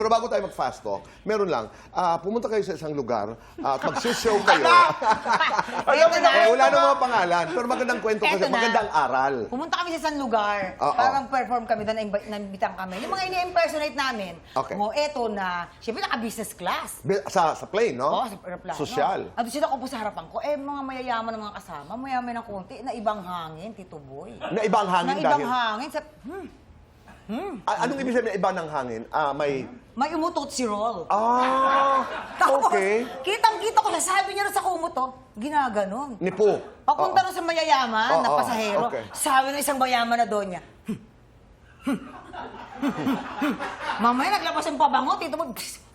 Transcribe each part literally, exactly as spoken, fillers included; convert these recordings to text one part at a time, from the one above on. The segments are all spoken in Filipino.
Pero bago tayo mag-fast talk, meron lang, ah, pumunta kayo sa isang lugar at mag-show kayo. Eto na. Eh, wala namang mga pangalan, pero magandang kwento kasi, Eto na. magandang aral. Pumunta kami sa isang lugar. Oo. Parang perform kami doon, naimbi- naimbitang kami. Yung mga ini-impersonate namin. Okay. O, eto na, syempre naka-business class. Bi- Sa, sa plane, no? Oo, sa aeroplano. Sosyal. At sila ko po sa harapan ko, eh, mga mayayaman ng mga kasama, mayaman ng konti, na ibang hangin, Tito Boy. Na ibang hangin Na ibang dahil... hangin. Sa, hmm, Ah, anong ibig sabihin na iba ng hangin? Ah, may... may umutot si Roll. Ah, Tapos, okay. kitang-kita ko, sabi niya rin sa kumot, oh, ginaganon. Nipo. Papunta Oo. rin sa mayayaman na Oo, pasahero, okay. sabi ng isang mayaman na doon niya, mamaya naglabas yung pabango, Tito Boy.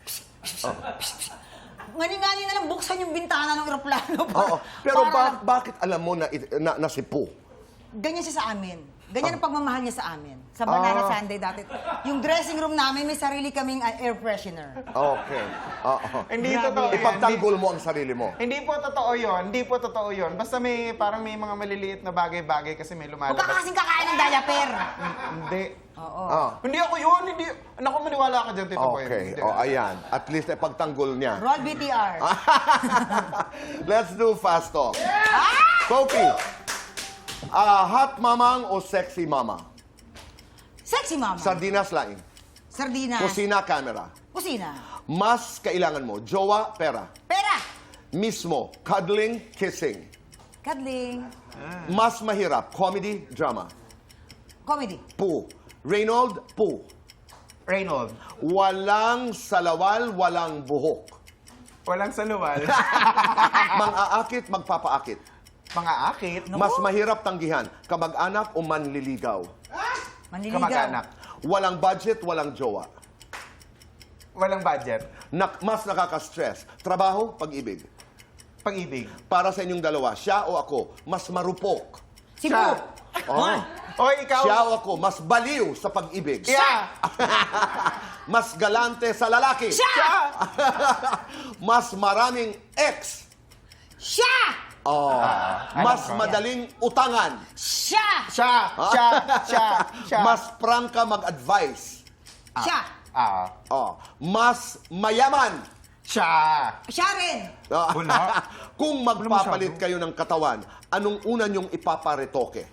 Ngani-ngani na lang buksan yung bintana ng eroplano. Oo. Pero para- ba- bakit alam mo na, it- na, na si Po? Ganyan siya sa amin. Ganyan ang pagmamahal niya sa amin. Sa Banana Ah. Sunday dati. Yung dressing room namin, may sarili kaming uh, air freshener. Okay. Oo. Hindi Grabe. totoo yan. Ipagtanggol mo ang sarili mo. Hindi po totoo yun. Hindi po totoo yun. Basta may, parang may mga maliliit na bagay-bagay kasi may Huwag ka lumalabas. kasing kakain ng diaper. Hindi. Oo. Ah. Hindi ako yun. Hindi. Naku, maniwala ka dyan, Tito Boy. Okay. Hindi. O, ayan. At least ipagtanggol niya. Roll B T R. Let's do fast talk. Sophie, ah, hot mamang o sexy mama? Sexy mama. Sardinas laing. Sardinas. Kusina, camera. Kusina. Mas kailangan mo, jowa, pera. Pera. Mismo, cuddling, kissing. Kadling. Mas mahirap, comedy, drama. Comedy. Poo. Reynold, poo. Reynold. Walang salawal, walang buhok. Walang saluwal. Mang-aakit, magpapaakit. Mga akit. Mas mahirap tanggihan, kamag-anak o manliligaw. Manliligaw. Kamag-anak. Walang budget, walang jowa. Walang budget. Nak mas nakaka-stress, trabaho, pag-ibig. Pag-ibig. Para sa inyong dalawa, siya o ako, mas marupok. Si Siya. Bu. Oh. Oy, ikaw. Siya o ako, mas baliw sa pag-ibig. Yeah. Mas galante sa lalaki. Siya. Mas maraming ex. Siya. Oh. alam Mas ko. madaling utangan. Siya. Siya. Siya. Siya. Siya. Mas prangka mag-advise. Siya. Ah. Oh. Mas mayaman. Siya. Siya rin. Ah, Wala. Kung magpapalit kayo ng katawan, anong una niyong ipaparetoke?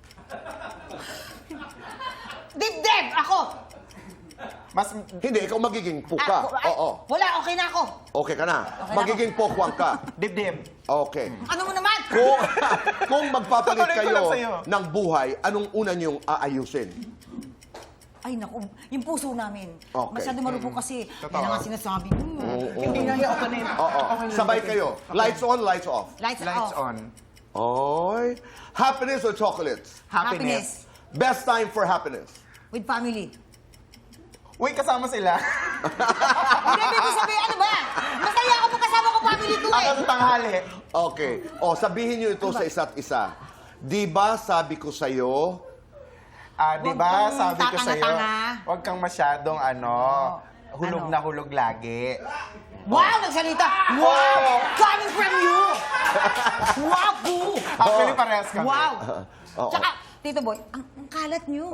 Dibdib. Ako. Mas... Hindi, ikaw magiging puka. Ako, ay, Oo. Wala, okay na ako. Okay ka na. Okay na Magiging pokwang ka. Dibdib. Okay. Ano mo naman? Kung, kung magpapalit Tutuloy ko kayo lang sa'yo. ng buhay, anong una niyong aayusin? Ay, naku, yung puso namin. Okay. Masyado marupok kasi. Totoo. Yan ang sinasabi. Hmm. Oo. Hindi na yan. Okay na yun. Oo. Okay na yun. Sabay kayo. Lights on, lights off. Lights, Lights off. on. Oy. Happiness or chocolates? Happiness. Best time for happiness? With family. Uy, kasama sila. Hindi, baby, sabi, ano ba? Masaya ako pag kasama ko family ko eh. Ako sa tanghali. Okay. O, sabihin niyo ito sa isa't isa. Di ba sabi ko sa'yo, Ah, di Huwag ba, kang sabi ko sa'yo, tatanga-tanga. huwag kang masyadong ano, hulog Ano? na hulog lagi. Wow, nagsalita. Wow, coming from you. Wow, boo. Actually, parehas kami. Wow. Oo. Tsaka, Tito Boy, ang, ang kalat niyo.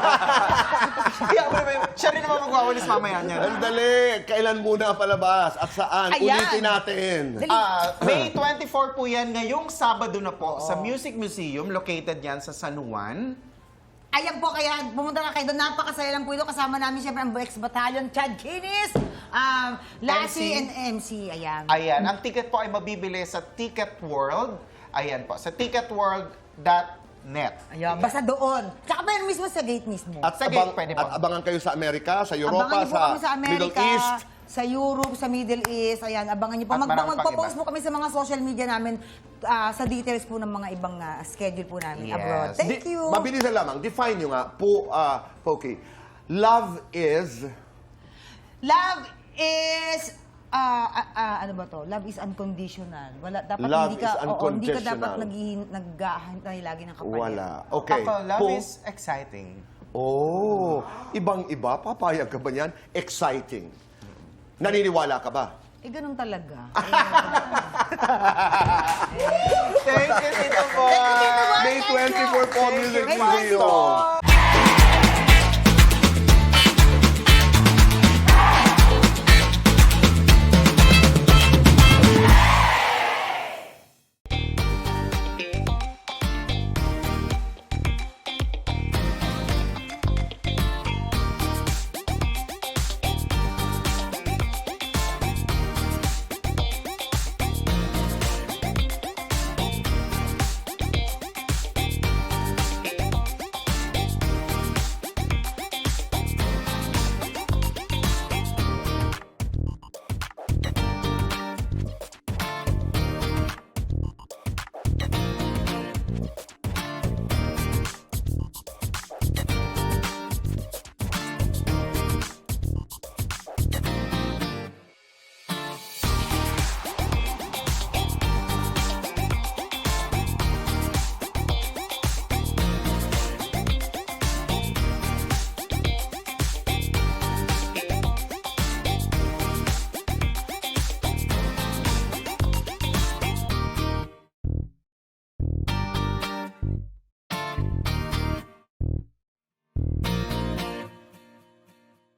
Kaya ako naman, siya rin naman magwawalis mamaya niya. andali, kailan muna palabas at saan? Ayan. Ulitin natin. Dali. Ah, May twenty-four po yan, ngayong Sabado na po, sa Music Museum, located yan sa San Juan. Ayan po, kaya pumunta na kayo doon. Napakasaya lang po ito. Kasama namin siyempre ang ex-battalion, Chad Kinis, um, Lassie, M C. and M C. Ayan. Ayan, ang ticket po ay mabibili sa Ticket World. Ayan po, sa ticketworld dot net. Ayan, basta doon. Tsaka pa yun mismo sa gate mismo. At, Sa gate, abang, pwede at po. abangan kayo sa Amerika, sa Europa, Abangan niyo po sa, kami sa Amerika, Middle East. sa Europe, sa Middle East. Ayan, abangan niyo po. At Mag marami pang magpo-post iba. po kami sa mga social media namin ah, sa details po ng mga ibang ah, schedule po namin Yes. abroad. Thank Di- you. Mabilis na lamang. Define nyo nga, po, uh, Pokey. Love is... Love is ah, ah, ah, ano ba to? Love is unconditional. Wala dapat Love hindi ka is oo, hindi ka dapat unconditional. naghahantay lagi ng kapalit. Wala. Okay. Ako, love Po- is exciting. Oh, ibang-iba. Papayag ka ba niyan? Exciting. Naniniwala ka ba? Eh, ganun talaga. Thank you, Tito Boy. Thank you, Tito Boy. May Thank you. twenty-four po Thank you. Music May Museum. twenty-four.